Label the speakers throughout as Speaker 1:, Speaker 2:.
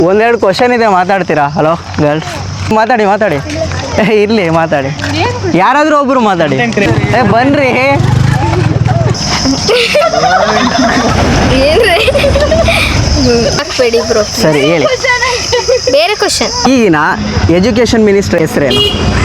Speaker 1: ಒಂದೆರಡು ಕ್ವಶನ್ ಇದೆ, ಮಾತಾಡ್ತೀರಾ? ಹಲೋ ಗರ್ಲ್ಸ್, ಮಾತಾಡಿ ಇರಲಿ, ಮಾತಾಡಿ. ಯಾರಾದರೂ ಒಬ್ಬರು ಮಾತಾಡಿ. ಬನ್ರಿ. ಸರಿ ಹೇಳಿ.
Speaker 2: ಬೇರೆ ಕ್ವಶನ್.
Speaker 1: ಈಗಿನ ಎಜುಕೇಷನ್ ಮಿನಿಸ್ಟರ್ ಹೆಸರೇನು?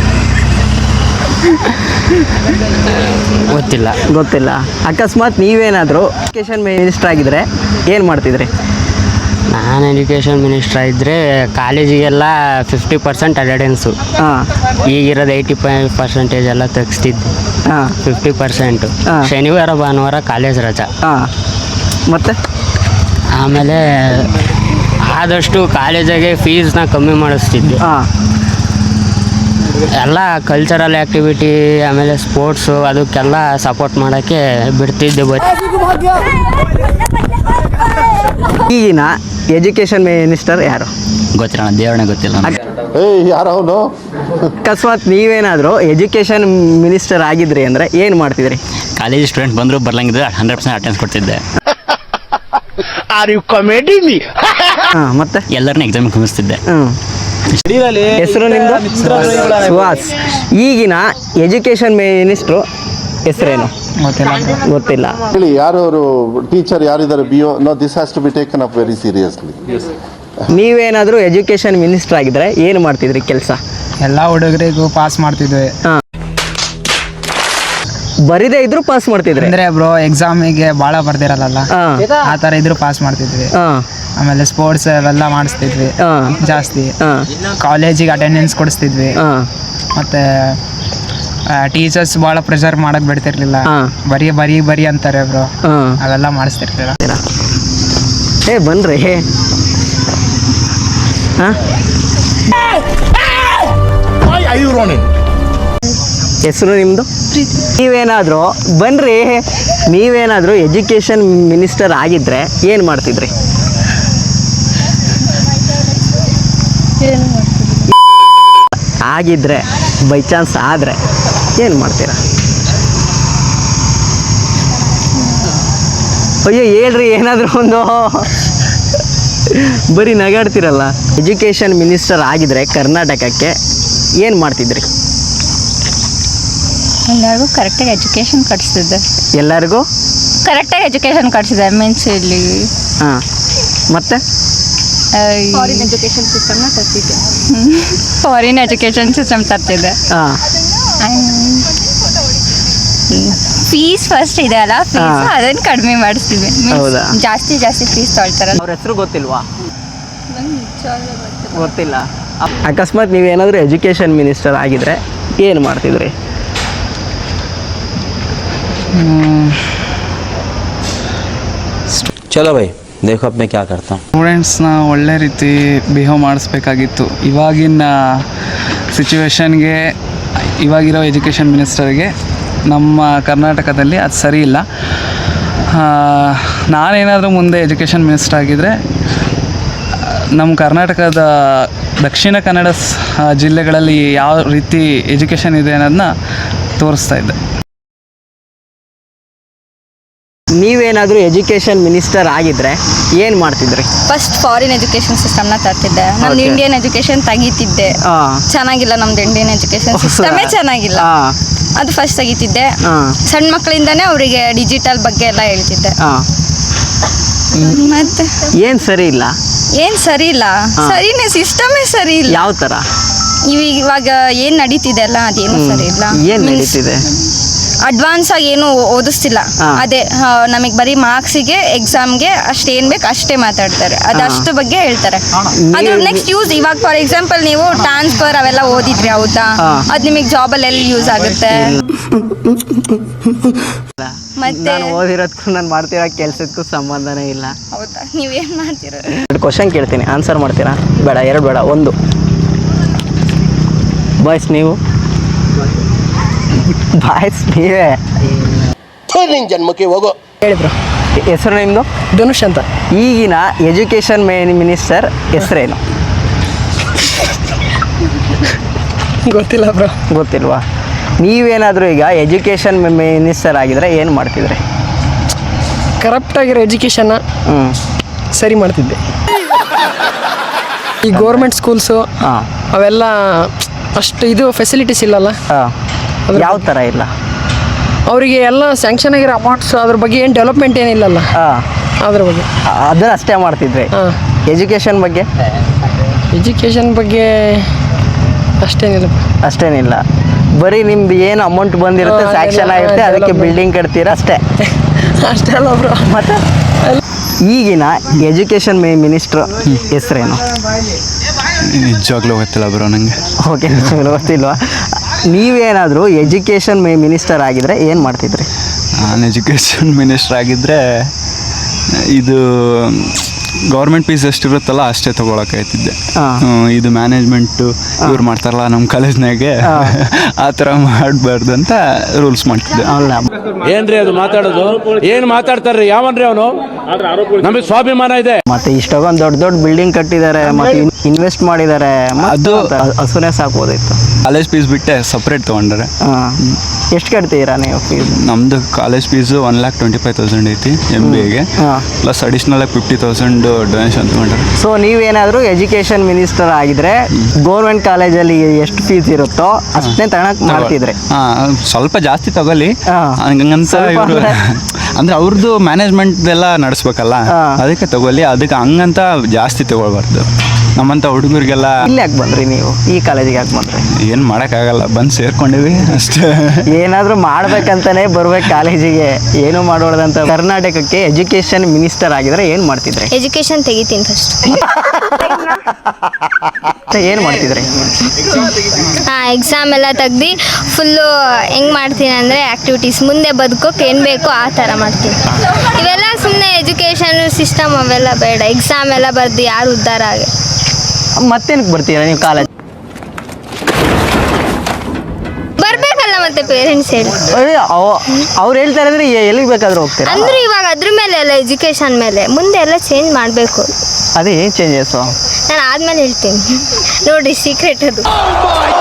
Speaker 1: ಗೊತ್ತಿಲ್ಲ. ಅಕಸ್ಮಾತ್ ನೀವೇನಾದರೂ ಎಜುಕೇಷನ್ ಮಿನಿಸ್ಟರ್ ಆಗಿದ್ರೆ ಏನು ಮಾಡ್ತಿದ್ರಿ?
Speaker 3: ನಾನು ಎಜುಕೇಷನ್ ಮಿನಿಸ್ಟರ್ ಇದ್ದರೆ ಕಾಲೇಜಿಗೆಲ್ಲ 50% ಅಟೆಂಡೆನ್ಸು. ಈಗಿರೋದು 85% ಎಲ್ಲ ತೆಗಿಸ್ತಿದ್ದೆ. 50%. ಶನಿವಾರ ಭಾನುವಾರ ಕಾಲೇಜ್ ರಜಾ.
Speaker 1: ಮತ್ತು
Speaker 3: ಆಮೇಲೆ ಆದಷ್ಟು ಕಾಲೇಜಿಗೆ ಫೀಸ್ನ ಕಮ್ಮಿ ಮಾಡಿಸ್ತಿದ್ದೆ. ಎಲ್ಲ ಕಲ್ಚರಲ್ ಆ್ಯಕ್ಟಿವಿಟಿ ಆಮೇಲೆ ಸ್ಪೋರ್ಟ್ಸು ಅದಕ್ಕೆಲ್ಲ ಸಪೋರ್ಟ್ ಮಾಡೋಕ್ಕೆ ಬಿಡ್ತಿದ್ದೆ.
Speaker 1: ಈಗಿನ ಎಜುಕೇಷನ್ ಮಿನಿಸ್ಟರ್ ಯಾರು?
Speaker 3: ಗೊತ್ತಿಲ್ಲ, ದೇವರೇ ಗೊತ್ತಿಲ್ಲ.
Speaker 4: ಯಾರವನು?
Speaker 1: ಅಕಸ್ಮಾತ್ ನೀವೇನಾದರೂ ಎಜುಕೇಷನ್ ಮಿನಿಸ್ಟರ್ ಆಗಿದ್ರಿ ಅಂದರೆ ಏನು ಮಾಡ್ತಿದ್ರಿ?
Speaker 3: ಕಾಲೇಜ್ ಸ್ಟೂಡೆಂಟ್ ಬಂದರೂ ಬರ್ಲಂಗಿದ್ರೆ 100% ಅಟೆಂಡೆನ್ಸ್ ಕೊಡ್ತಿದ್ದೆ.
Speaker 1: ಮತ್ತೆ
Speaker 3: ಎಲ್ಲರನ್ನ ಎಕ್ಸಾಮ್ ಕುಮಿಸ್ತಿದ್ದೆ.
Speaker 1: ಹೆಸರು ನಿಮ್ಮದು? ಸುಹಾಸ್. ಈಗಿನ ಎಜುಕೇಷನ್ ಮಿನಿಸ್ಟ್ರು ಹೆಸರೇನು? ಗೊತ್ತಿಲ್ಲ.
Speaker 4: ಹೇಳಿ, ಯಾರು ಅವರು ಟೀಚರ್ ಯಾರಿದ್ದಾರೆ? BO? No, this has to be taken up very seriously.
Speaker 1: ನೀವೇನಾದರೂ ಎಜುಕೇಷನ್ ಮಿನಿಸ್ಟರ್ ಆಗಿದ್ರೆ ಏನು ಮಾಡ್ತಿದ್ರಿ ಕೆಲಸ?
Speaker 5: ಎಲ್ಲ ಹುಡುಗರಿಗೂ ಪಾಸ್ ಮಾಡ್ತಿದ್ವಿ.
Speaker 1: ಬರಿದೇ ಇದ್ರು ಪಾಸ್ ಮಾಡ್ತಿದ್ರಿ
Speaker 5: ಅಂದ್ರೆ ಬ್ರೋ ಎಕ್ಸಾಮಿಗೆ ಭಾಳ ಬರ್ದಿರಲ್ಲ, ಆ ಥರ ಇದ್ರು ಪಾಸ್ ಮಾಡ್ತಿದ್ವಿ. ಆಮೇಲೆ ಸ್ಪೋರ್ಟ್ಸ್ ಅವೆಲ್ಲ ಮಾಡಿಸ್ತಿದ್ವಿ ಜಾಸ್ತಿ. ಕಾಲೇಜಿಗೆ ಅಟೆಂಡೆನ್ಸ್ ಕೊಡಿಸ್ತಿದ್ವಿ. ಮತ್ತೆ ಟೀಚರ್ಸ್ ಭಾಳ ಪ್ರೆಷರ್ ಮಾಡಕ್ ಬಿಡ್ತಿರ್ಲಿಲ್ಲ. ಬರಿ ಅಂತಾರೆ ಬ್ರೋ, ಅವೆಲ್ಲ ಮಾಡಿಸ್ತಿರ್ಲಿಲ್ಲ.
Speaker 1: ಬನ್ರಿ. ಹೆಸರು ನಿಮ್ಮದು? ನೀವೇನಾದರೂ ಎಜುಕೇಷನ್ ಮಿನಿಸ್ಟರ್ ಆಗಿದ್ರೆ ಏನು ಮಾಡ್ತಿದ್ರಿ? ಆಗಿದ್ರೆ ಬೈ ಚಾನ್ಸ್ ಆದರೆ ಏನು ಮಾಡ್ತೀರಾ? ಅಯ್ಯೋ ಹೇಳ್ರಿ, ಏನಾದರೂ ಒಂದು. ಬರೀ ನಗಾಡ್ತಿರಲ್ಲ. ಎಜುಕೇಷನ್ ಮಿನಿಸ್ಟರ್ ಆಗಿದ್ರೆ ಕರ್ನಾಟಕಕ್ಕೆ ಏನು ಮಾಡ್ತಿದ್ರಿ?
Speaker 2: ಎಲ್ಲರಿಗೂ ಕರೆಕ್ಟಾಗಿ ಎಜುಕೇಷನ್ ಕೊಡಿಸ್ತಿದ್ದೆ.
Speaker 1: ಎಲ್ಲರಿಗೂ
Speaker 2: ಕರೆಕ್ಟಾಗಿ ಎಜುಕೇಷನ್ ಕೊಡಿಸಿದೆ ಮೀನ್ಸ್ ಇಲ್ಲಿ.
Speaker 1: ಮತ್ತೆ
Speaker 2: ಫಾರಿನ್ ಎಜುಕೇಷನ್ ಸಿಸ್ಟಮ್ನ ತರ್ತಿದ್ದೆ. ಫಾರಿನ್ ಎಜುಕೇಷನ್ ಸಿಸ್ಟಮ್ ತರ್ತಿದ್ದೆ. ಫೀಸ್ ಫಸ್ಟ್ ಇದೆ ಅಲ್ಲ, ಫೀಸ್ ಅದನ್ನು ಕಡಿಮೆ ಮಾಡಿಸ್ತೀವಿ. ಜಾಸ್ತಿ ಫೀಸ್ ತೊಳ್ತಾರಲ್ಲ.
Speaker 1: ಅವ್ರ ಹೆಸರು ಗೊತ್ತಿಲ್ವಾ? ಗೊತ್ತಿಲ್ಲ. ಅಕಸ್ಮಾತ್ ನೀವೇನಾದರೂ ಎಜುಕೇಷನ್ ಮಿನಿಸ್ಟರ್ ಆಗಿದ್ರೆ ಏನು ಮಾಡ್ತಿದ್ರಿ?
Speaker 6: ಚಲೋ ಭೈ, ದೇಖೋ ಅಪ್ನೆ ಕ್ಯಾ ಕರ್ತಾ ಹೂಂ.
Speaker 5: ಸ್ಟೂಡೆಂಟ್ಸ್ನ ಒಳ್ಳೆ ರೀತಿ ಬಿಹೇವ್ ಮಾಡಿಸ್ಬೇಕಾಗಿತ್ತು. ಇವಾಗಿನ ಸಿಚುವೇಶನ್ಗೆ, ಇವಾಗಿರೋ ಎಜುಕೇಷನ್ ಮಿನಿಸ್ಟರ್ಗೆ ನಮ್ಮ ಕರ್ನಾಟಕದಲ್ಲಿ ಅದು ಸರಿ ಇಲ್ಲ. ನಾನೇನಾದರೂ ಮುಂದೆ ಎಜುಕೇಷನ್ ಮಿನಿಸ್ಟರ್ ಆಗಿದ್ದರೆ ನಮ್ಮ ಕರ್ನಾಟಕದ ದಕ್ಷಿಣ ಕನ್ನಡ ಜಿಲ್ಲೆಗಳಲ್ಲಿ ಯಾವ ರೀತಿ ಎಜುಕೇಷನ್ ಇದೆ ಅನ್ನೋದನ್ನ ತೋರಿಸ್ತಾ ಇದ್ದೆ.
Speaker 1: ನೀವೇನಾದರೂ ಎಜುಕೇಷನ್ ಮಿನಿಸ್ಟರ್ ಆಗಿದ್ರೆ ಏನು ಮಾಡ್ತಿದ್ರಿ?
Speaker 2: ಫಸ್ಟ್ ಫಾರಿನ್ ಎಜುಕೇಷನ್ ಸಿಸ್ಟಮ್ನ ತರ್ತಿದ್ದೆ. ನಮ್ದು ಇಂಡಿಯನ್ ಎಜುಕೇಷನ್ ತೆಗಿತಿದ್ದೆ. ಚೆನ್ನಾಗಿಲ್ಲ, ನಮ್ದು ಇಂಡಿಯನ್ ಎಜುಕೇಷನ್ ಸಿಸ್ಟಮೇ ಚೆನ್ನಾಗಿಲ್ಲ. ಅದು ಫಸ್ಟ್ ತೆಗಿತಿದ್ದೆ. ಸಣ್ಣ ಮಕ್ಕಳಿಂದಾನೇ ಅವರಿಗೆ ಡಿಜಿಟಲ್ ಬಗ್ಗೆ ಎಲ್ಲ ಹೇಳ್ತಿದ್ದೆ. ಮತ್ತೆ
Speaker 1: ಏನು ಸರಿ ಇಲ್ಲ?
Speaker 2: ಸರಿನೇ, ಸಿಸ್ಟಮೇ ಸರಿ ಇಲ್ಲ.
Speaker 1: ಯಾವ ಥರ?
Speaker 2: ಇವಾಗ ಏನು ನಡೀತಿದೆ ಅಲ್ಲ, ಅದೇನು ಸರಿ ಇಲ್ಲ.
Speaker 1: ಏನು ನಡೀತಿದೆ?
Speaker 2: ಅಡ್ವಾನ್ಸ್ ಆಗಿ ಏನು ಓದಿಸ್ತಿಲ್ಲ. ಅದೇ ನಮಗೆ ಬರೀ ಮಾರ್ಕ್ಸಿಗೆ ಎಕ್ಸಾಮ್ಗೆ ಅಷ್ಟೇನು ಬೇಕು ಅಷ್ಟೇ ಮಾತಾಡ್ತಾರೆ. ಅದಷ್ಟು ಬಗ್ಗೆ ಹೇಳ್ತಾರೆ. ಅದ್ರ ನೆಕ್ಸ್ಟ್ ಯೂಸ್ ಇವಾಗ ಫಾರ್ ಎಕ್ಸಾಂಪಲ್ ನೀವು ಟ್ರಾನ್ಸ್ಫರ್ ಅವೆಲ್ಲ ಓದಿದ್ರಿ, ಹೌದಾ? ಅದು ನಿಮಗೆ ಜಾಬಲ್ಲಿ ಎಲ್ಲಿ ಯೂಸ್ ಆಗುತ್ತೆ? ಮತ್ತೆ
Speaker 1: ಓದಿರೋದಕ್ಕೂ ನಾನು ಮಾಡ್ತಿರೋ ಕೆಲಸಕ್ಕೂ ಸಂಬಂಧನೇ ಇಲ್ಲ.
Speaker 2: ಹೌದಾ? ನೀವೇನು ಮಾಡ್ತೀರ?
Speaker 1: 2 ಕ್ವಶನ್ ಕೇಳ್ತೀನಿ, ಆನ್ಸರ್ ಮಾಡ್ತೀರಾ? ಬೇಡ, 2 ಬೇಡ, 1. ಬಾಯ್ಸ್ ನೀವು? ಬಾಯ್ಸ್ ನೀವೇ?
Speaker 4: ಜನ್ಮಕ್ಕೆ ಹೋಗೋ.
Speaker 1: ಹೇಳಿದ್ರು. ಹೆಸರು ನಿಮ್ಮದು?
Speaker 5: ಧನುಷ್ ಅಂತ.
Speaker 1: ಈಗಿನ ಎಜುಕೇಷನ್ ಮಿನಿಸ್ಟರ್ ಹೆಸರೇನು?
Speaker 5: ಗೊತ್ತಿಲ್ಲ ಬ್ರೋ.
Speaker 1: ಗೊತ್ತಿಲ್ವಾ? ನೀವೇನಾದರೂ ಈಗ ಎಜುಕೇಷನ್ ಮಿನಿಸ್ಟರ್ ಆಗಿದ್ರೆ ಏನು ಮಾಡ್ತಿದ್ರಿ?
Speaker 5: ಕರಪ್ಟ್ ಆಗಿರೋ ಎಜುಕೇಷನ್ನ ಸರಿ ಮಾಡ್ತಿದ್ದೆ.
Speaker 7: ಈ ಗೌರ್ಮೆಂಟ್ ಸ್ಕೂಲ್ಸು
Speaker 1: ಹಾಂ
Speaker 7: ಅವೆಲ್ಲ ಅಷ್ಟು ಇದು ಫೆಸಿಲಿಟೀಸ್ ಇಲ್ಲಲ್ಲ.
Speaker 1: ಹಾಂ ಯಾವ ಥರ ಇಲ್ಲ?
Speaker 7: ಅವರಿಗೆ ಎಲ್ಲ ಸ್ಯಾಂಕ್ಷನ್ ಆಗಿರೋ ಅಮೌಂಟ್ಸ್ ಅದ್ರ ಬಗ್ಗೆ ಏನು ಡೆವಲಪ್ಮೆಂಟ್ ಏನಿಲ್ಲಲ್ಲ
Speaker 1: ಹಾಂ
Speaker 7: ಅದ್ರ ಬಗ್ಗೆ.
Speaker 1: ಅದನ್ನ ಅಷ್ಟೇ ಮಾಡ್ತಿದ್ವಿ.
Speaker 7: ಹಾಂ
Speaker 1: ಎಜುಕೇಷನ್ ಬಗ್ಗೆ
Speaker 7: ಎಜುಕೇಷನ್ ಬಗ್ಗೆ ಅಷ್ಟೇನಿಲ್ಲ.
Speaker 1: ಅಷ್ಟೇನಿಲ್ಲ, ಬರೀ ನಿಮ್ದು ಏನು ಅಮೌಂಟ್ ಬಂದಿರುತ್ತೆ
Speaker 7: ಹಾ,
Speaker 1: ಸ್ಯಾಕ್ಷನ್ ಆಗಿರುತ್ತೆ ಅದಕ್ಕೆ
Speaker 7: development.
Speaker 1: ಬಿಲ್ಡಿಂಗ್ ಕಟ್ತೀರಾ ಅಷ್ಟೇ.
Speaker 7: ಅಷ್ಟೇ ಅಲ್ಲ ಬ್ರೋ.
Speaker 1: ಮತ್ತೆ ಈಗಿನ ಎಜುಕೇಷನ್ ಮಿನಿಸ್ಟ್ರ್ ಹೆಸರೇನು?
Speaker 8: ನಿಜವಾಗ್ಲೂ ಗೊತ್ತಿಲ್ಲ ಬ್ರೋ ನನಗೆ.
Speaker 1: ಓಕೆ, ಗೊತ್ತಿಲ್ವಾ? ನೀವೇನಾದರೂ ಎಜುಕೇಷನ್ ಮಿನಿಸ್ಟರ್ ಆಗಿದ್ರೆ ಏನು ಮಾಡ್ತಿದ್ರಿ?
Speaker 8: ನಾನು ಎಜುಕೇಷನ್ ಮಿನಿಸ್ಟರ್ ಆಗಿದ್ದರೆ ಇದು ಗೌರ್ಮೆಂಟ್ ಫೀಸ್ ಎಷ್ಟಿರುತ್ತಲ್ಲ ಅಷ್ಟೇ ತೊಗೊಳಕಾಯ್ತಿದ್ದೆ. ಇದು ಮ್ಯಾನೇಜ್ಮೆಂಟು ಇವ್ರು ಮಾಡ್ತಾರಲ್ಲ ನಮ್ಮ ಕಾಲೇಜ್ನಾಗೆ ಆ ಥರ ಮಾಡಬಾರ್ದು ಅಂತ ರೂಲ್ಸ್ ಮಾಡ್ತಿದ್ದೆ.
Speaker 9: ಏನ್ರಿ ಅದು ಮಾತಾಡೋದು? ಏನು ಮಾತಾಡ್ತಾರ್ರಿ? ಯಾವನ್ರಿ ಅವನು? ನಮಗೆ ಸ್ವಾಭಿಮಾನ ಇದೆ.
Speaker 1: ಮತ್ತೆ ಇಷ್ಟೊಂದು ದೊಡ್ಡ ದೊಡ್ಡ ಬಿಲ್ಡಿಂಗ್ ಕಟ್ಟಿದ್ದಾರೆ, ಮತ್ತೆ ಇನ್ವೆಸ್ಟ್ ಮಾಡಿದ್ದಾರೆ,
Speaker 8: ಅದು
Speaker 1: ಹಸುನೇ ಸಾಕೋದಿತ್ತು.
Speaker 8: ಕಾಲೇಜ್ ಫೀಸ್ ಬಿಟ್ಟೆ ಸಪ್ರೇಟ್ ತೊಗೊಂಡ್ರೆ.
Speaker 1: ಎಷ್ಟು ಕಟ್ತೀರಾ ನೀವು ಫೀಸ್?
Speaker 8: ನಮ್ಮದು ಕಾಲೇಜ್ ಫೀಸು 1,25,000 ಐತಿ MBAಗೆ, ಪ್ಲಸ್ ಅಡಿಷ್ನಲಾಗಿ 50,000 ಡೊನೇಷನ್ ತೊಗೊಂಡ್ರೆ.
Speaker 1: ಸೊ ನೀವೇನಾದರೂ ಎಜುಕೇಷನ್ ಮಿನಿಸ್ಟರ್ ಆಗಿದ್ರೆ ಗೌರ್ಮೆಂಟ್ ಕಾಲೇಜಲ್ಲಿ ಎಷ್ಟು ಫೀಸ್ ಇರುತ್ತೋ ಅಷ್ಟೇ ತಗೊಳಕ್ ಮಾಡ್ತಿದ್ರೆ.
Speaker 8: ಸ್ವಲ್ಪ ಜಾಸ್ತಿ ತಗೊಳ್ಳಿ ಹಂಗಂತ ಇವರು ಅಂದ್ರೆ ಅವ್ರದ್ದು ಮ್ಯಾನೇಜ್ಮೆಂಟ್ ಎಲ್ಲ ನಡೆಸ್ಬೇಕಲ್ಲ, ಅದಕ್ಕೆ ತಗೊಳ್ಳಿ. ಅದಕ್ಕೆ ಹಂಗಂತ ಜಾಸ್ತಿ ತಗೊಳ್ಬಾರ್ದು. ನಮ್ಮಂಥ ಹುಡುಗರಿಗೆಲ್ಲ
Speaker 1: ಇಲ್ಲಿ ಯಾಕೆ ಬಂದ್ರಿ ನೀವು? ಈ ಕಾಲೇಜಿಗೆ ಯಾಕೆ ಬಂದ್ರಿ?
Speaker 8: ಏನು ಮಾಡೋಕ್ಕಾಗಲ್ಲ, ಬಂದು ಸೇರ್ಕೊಂಡಿವಿ ಅಷ್ಟೇ.
Speaker 1: ಏನಾದರೂ ಮಾಡ್ಬೇಕಂತಾನೆ ಬರ್ಬೇಕು ಕಾಲೇಜಿಗೆ, ಏನು ಮಾಡೋದಂತ. ಕರ್ನಾಟಕಕ್ಕೆ ಎಜುಕೇಷನ್ ಮಿನಿಸ್ಟರ್ ಆಗಿದ್ರೆ ಏನು ಮಾಡ್ತಿದ್ರೆ?
Speaker 2: ಎಜುಕೇಶನ್ ತೆಗಿತೀನಿ ಫಸ್ಟ್.
Speaker 1: ಏನು ಮಾಡ್ತಿದ್ರಿ?
Speaker 2: ಎಕ್ಸಾಮ್ ಎಲ್ಲ ತೆಗ್ದು ಫುಲ್ಲು ಹೆಂಗೆ ಮಾಡ್ತೀನಿ ಅಂದರೆ ಆ್ಯಕ್ಟಿವಿಟೀಸ್ ಮುಂದೆ ಬದುಕೋಕೆ ಏನು ಬೇಕೋ ಆ ಥರ ಮಾಡ್ತೀನಿ. ಇವೆಲ್ಲ ಸುಮ್ಮನೆ ಎಜುಕೇಷನ್ ಸಿಸ್ಟಮ್ ಅವೆಲ್ಲ ಬೇಡ. ಎಕ್ಸಾಮ್ ಎಲ್ಲ ಬರ್ದು ಯಾರು ಉದ್ಧಾರ ಆಗಿ
Speaker 1: ಮತ್ತೇನಕ್ಕೆ ಬರ್ತೀರಾ ನೀವು ಕಾಲೇಜ್?
Speaker 2: ಬರ್ಬೇಕಲ್ಲ ಮತ್ತೆ ಪೇರೆಂಟ್ಸ್ ಹೇಳಿ.
Speaker 1: ಅವ್ರು ಹೇಳ್ತಾರೆ ಅಂದರೆ ಎಲ್ಲಿಗೆ ಬೇಕಾದ್ರೂ ಹೋಗ್ತೀರಾ?
Speaker 2: ಅಂದ್ರೆ ಇವಾಗ ಅದ್ರ ಮೇಲೆ ಎಲ್ಲ ಎಜುಕೇಶನ್ ಮೇಲೆ ಮುಂದೆ ಎಲ್ಲ ಚೇಂಜ್ ಮಾಡಬೇಕು.
Speaker 1: ಅದೇ ಏನು ಚೇಂಜಸ್ಸು?
Speaker 2: ನಾನು ಆದ್ಮೇಲೆ ಹೇಳ್ತೀನಿ ನೋಡಿ, ಸೀಕ್ರೆಟ್ ಅದು.